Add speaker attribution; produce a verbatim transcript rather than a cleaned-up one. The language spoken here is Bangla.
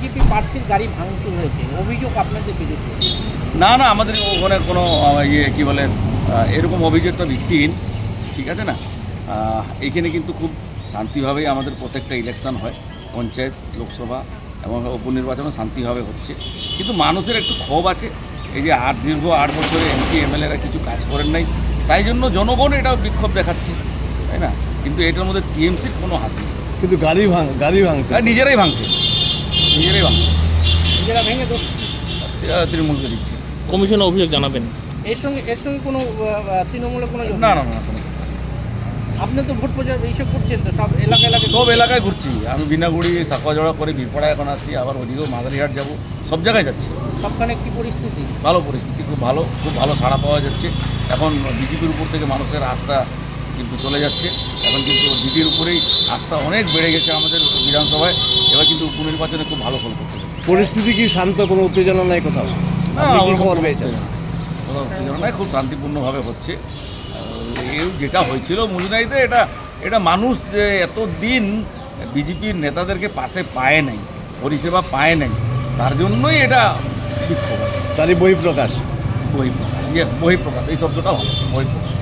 Speaker 1: বিজেপি প্রার্থীর গাড়ি ভাঙচুর হয়েছে, অভিযোগ আপনাদের বিরুদ্ধে।
Speaker 2: না না আমাদের ওখানে কোনো আহ, ইয়ে কী বলে আহ, এরকম অভিযোগটা ভিত্তিহীন, ঠিক আছে না। আহ, এইখানে কিন্তু খুব শান্তিভাবেই আমাদের প্রত্যেকটা ইলেকশন হয়, পঞ্চায়েত, লোকসভা এবং উপনির্বাচনও শান্তিভাবে হচ্ছে। কিন্তু মানুষের একটু ক্ষোভ আছে, এই যে আট দীর্ঘ আট বছরে এমপি এমএলএরা কিছু কাজ করেন নাই, তাই জন্য জনগণ এটাও বিক্ষোভ দেখাচ্ছে, তাই না। কিন্তু এটার মধ্যে টিএমসির কোনো হাত নেই।
Speaker 3: কিন্তু গাড়ি ভাঙ গাড়ি ভাঙছে
Speaker 2: আর নিজেরাই ভাঙছে, নিজেরাই ভাঙছে,
Speaker 1: নিজেরা ভেঙে দোষ।
Speaker 2: এরা তৃণমূলকে দিচ্ছে।
Speaker 4: কমিশনে অভিযোগ জানাবেন।
Speaker 1: এর সঙ্গে এর সঙ্গে কোনো আহ, আহ, তৃণমূলের কোনো যোগ
Speaker 2: না
Speaker 1: নেই?
Speaker 2: না না কোনো
Speaker 1: আপনি তো ভোট প্রচার এইসব করছেন তো, সব এলাকা এলাকায়
Speaker 2: সব এলাকায় ঘুরছি আমি, বিনাগুড়ি সাকুয়াজোড়া করে বীরপাড়া এখন আসি, আবার ওদিকেও মাদারিহাট যাব, সব জায়গায় যাচ্ছি।
Speaker 1: সবখানে কি পরিস্থিতি?
Speaker 2: ভালো পরিস্থিতি, খুব ভালো, খুব ভালো সাড়া পাওয়া যাচ্ছে। এখন বিজেপির উপর থেকে মানুষের আস্থা কিন্তু চলে যাচ্ছে, এখন কিন্তু দিদির উপরেই আস্থা অনেক বেড়ে গেছে আমাদের বিধানসভায়। এবার কিন্তু উপনির্বাচনে খুব ভালো ফল করতে হবে।
Speaker 3: পরিস্থিতি কি শান্ত, কোনো উত্তেজনা নাই কোথাও?
Speaker 2: না,
Speaker 3: আপনি কি
Speaker 2: ওরকম
Speaker 3: খবর
Speaker 2: কোনো
Speaker 3: পেয়েছেন?
Speaker 2: কোনো উত্তেজনা নাই, খুব শান্তিপূর্ণভাবে হচ্ছে। এই যেটা হয়েছিল মুজনাইতে, এটা এটা মানুষ যে এত দিন বিজেপির নেতাদেরকে পাশে পায় নাই, পরিষেবা পায় নাই, তার জন্যই এটা বিক্ষোভ।
Speaker 3: তারই বহিঃপ্রকাশ।
Speaker 2: বহিঃপ্রকাশ, ইয়েস বহিঃপ্রকাশ, এই শব্দটা ভালো, বহিঃপ্রকাশ।